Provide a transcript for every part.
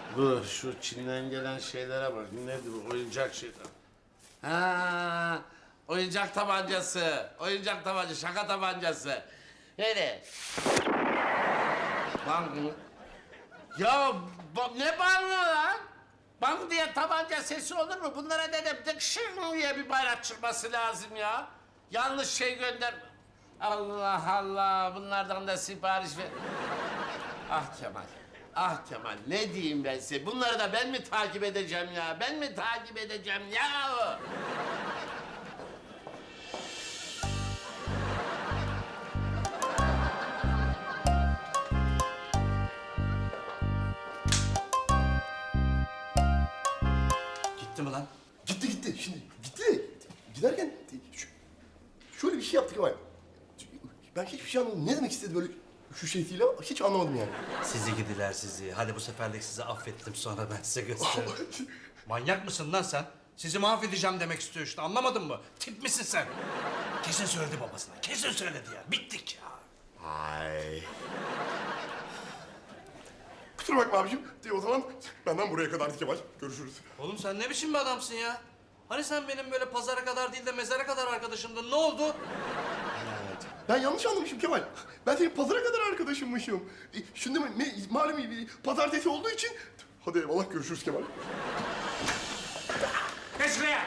Dur şu Çin'den gelen şeylere bak. Nedir bu oyuncak şeyler? Ha, oyuncak tabancası. Oyuncak tabancası, şaka tabancası. Öyle. Bang mı? Ya ne bağırıyor lan? Bang diye tabanca sesi olur mu? Bunlara dedim dıkşın diye bir bayrak çıkması lazım ya. Yanlış şey gönder. Allah Allah, bunlardan da sipariş ver. Ah Kemal, ah Kemal, ne diyeyim ben size? Bunları da ben mi takip edeceğim ya? Ben mi takip edeceğim ya? Gitti mi lan? Gitti. Şimdi gitti. Giderken şöyle bir şey yaptık ama ben hiçbir şey anlamadım. Ne demek istedi böyle şu şeysiyle hiç anlamadım yani. Sizi gidiler sizi. Hadi bu seferlik sizi affettim, sonra ben size gösteririm. Manyak mısın lan sen? Sizi mahvedeceğim demek istiyor işte, anlamadın mı? Tip misin sen? Kesin söyledi babasına, kesin söyledi ya. Bittik ya. Ay. Kusura bakma abicim. O zaman benden buraya kadardı Kemal. Görüşürüz. Oğlum sen ne biçim bir adamsın ya? Hani sen benim böyle pazara kadar değil de mezara kadar arkadaşımdın, ne oldu? Ben yanlış anlamışım Kemal. Ben senin pazara kadar arkadaşımmışım. Şimdi malum pazartesi olduğu için... Hadi eyvallah, görüşürüz Kemal. Geç şuraya.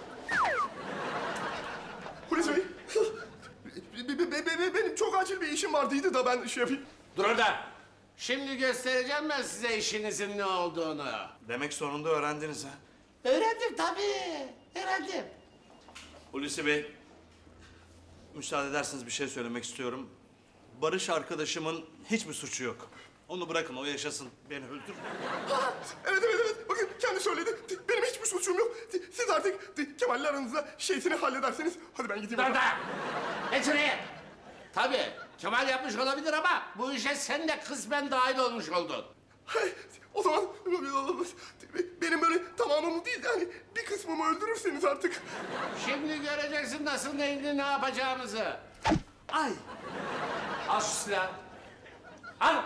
Hulusi Bey. Benim çok acil bir işim vardıydı da ben şey yapayım. Dur orada. Şimdi göstereceğim ben size işinizin ne olduğunu. Demek sonunda öğrendiniz ha. Öğrendim tabii, öğrendim. Hulusi Bey, müsaade ederseniz bir şey söylemek istiyorum. Barış arkadaşımın hiçbir suçu yok. Onu bırakın, o yaşasın, beni öldür. Ha, evet. Bakın kendi söyledi. Benim hiçbir suçum yok. Siz artık Kemal'le aranızda şeysini hallederseniz. Hadi ben gideyim. Dur da. Geç şuraya. Tabii, Kemal yapmış olabilir ama bu işe sen de kısmen dahil olmuş oldun. Hey, o zaman benim böyle tamamımı değil de hani bir kısmımı öldürürseniz artık. Şimdi göreceksin nasıl ne yapacağımızı. Ay! Al şu silahı. Al.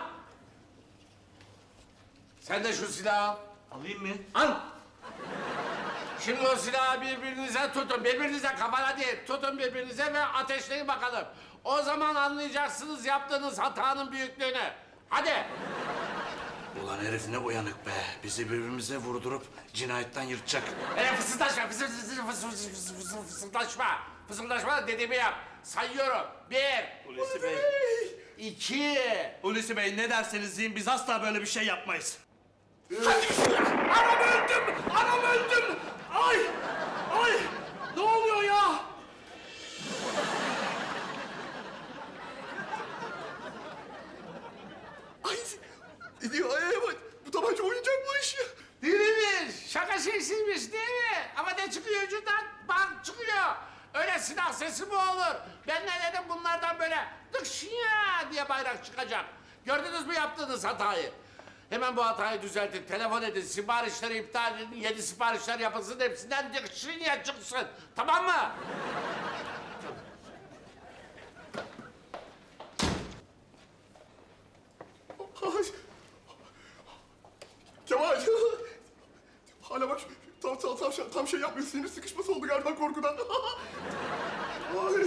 Sen de şu silahı al. Alayım mı? Al. Şimdi o silahı birbirinize tutun. Birbirinize kafana değil. Tutun birbirinize ve ateşleyin bakalım. O zaman anlayacaksınız yaptığınız hatanın büyüklüğünü. Hadi. Ulan herif ne uyanık be. Bizi birbirimize vurdurup cinayetten yırtacak. Fısıldaşma. Fısıldaşma. Fısıldaşma dediğimi yap. Sayıyorum. 1, Hulusi Bey. 2. Hulusi Bey ne derseniz deyin, biz asla böyle bir şey yapmayız. Anam öldüm! Anam öldüm! Ay! Ay! Ne oluyor ya? Ay, ay, bak, bu tabanca oyuncakmış. Değilmiş. Şaka şeysiymiş değil mi? Ama ne çıkıyor ucundan? Bak çıkıyor. Öyle silah sesi mi olur? Ben ne dedim bunlardan böyle dıkşıya diye bayrak çıkacak. Gördünüz mü yaptığınız hatayı? Hemen bu hatayı düzeltin. Telefon edin. Siparişleri iptal edin. 7 siparişler yapılsın. Hepsinden dıkşıya çıksın. Tamam mı? Ay. Kemal. Hala bak tam şey yapmıyor. Sinir sıkışması oldu galiba korkudan. Ay.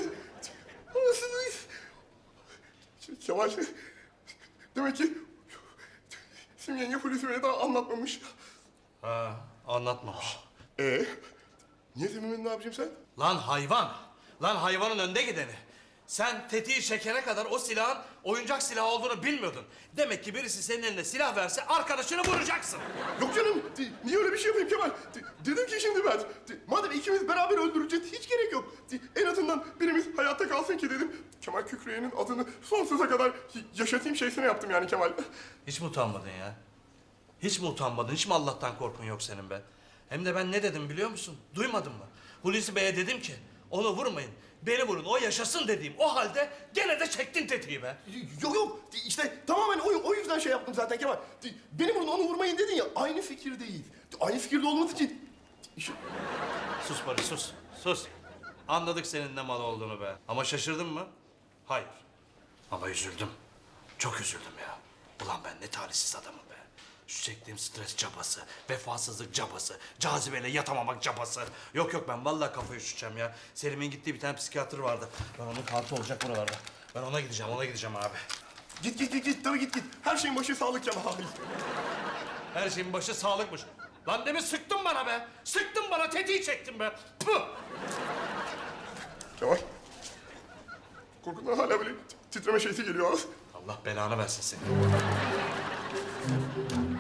Kemal. Demek ki Simge yenge Hulusi Bey'e daha anlatmamış. Ha, anlatmamış. Niye Semih'in ne yapacağım sen? Lan hayvan! Lan hayvanın önde gideni. Sen tetiği çekene kadar o silahın oyuncak silah olduğunu bilmiyordun. Demek ki birisi senin eline silah verse arkadaşını vuracaksın. Yok canım. Niye öyle bir şey yapayım Kemal? Dedim ki şimdi ben. Madem ikimiz beraber öldüreceğiz hiç gerek yok. En azından birimiz hayatta kalsın ki dedim. Kemal Kükreye'nin adını sonsuza kadar yaşatayım şeysine yaptım yani Kemal. Hiç mi utanmadın ya? Hiç mi utanmadın? Hiç mi Allah'tan korkun yok senin be? Hem de ben ne dedim biliyor musun? Duymadın mı? Hulusi Bey'e dedim ki onu vurmayın. Beni vurun, o yaşasın dediğim o halde gene de çektin tetiği be. Yok. İşte tamamen o yüzden şey yaptım zaten Kemal. Beni vurun onu vurmayın dedin ya aynı fikirdeyiz. Aynı fikirde olması için... Sus Barış, sus. Sus. Anladık senin ne mal olduğunu be. Ama şaşırdın mı? Hayır. Ama üzüldüm. Çok üzüldüm ya. Ulan ben ne talihsiz adamım be. Şu çektiğim stres cabası, vefasızlık cabası, cazibeyle yatamamak cabası. Yok yok, ben vallahi kafayı üşüteceğim ya. Selim'in gittiği bir tane psikiyatr vardı. Ben onun kartı olacak buralarda. Ben ona gideceğim abi. Git. Tabii git. Her şeyin başı sağlık Kemal. Her şeyin başı sağlıkmış. Lan demin sıktın bana be. Sıktın bana, tetiği çektin be. Puh! Kemal. Korkudan hala böyle titreme şeysi geliyor. Allah belanı versin seni.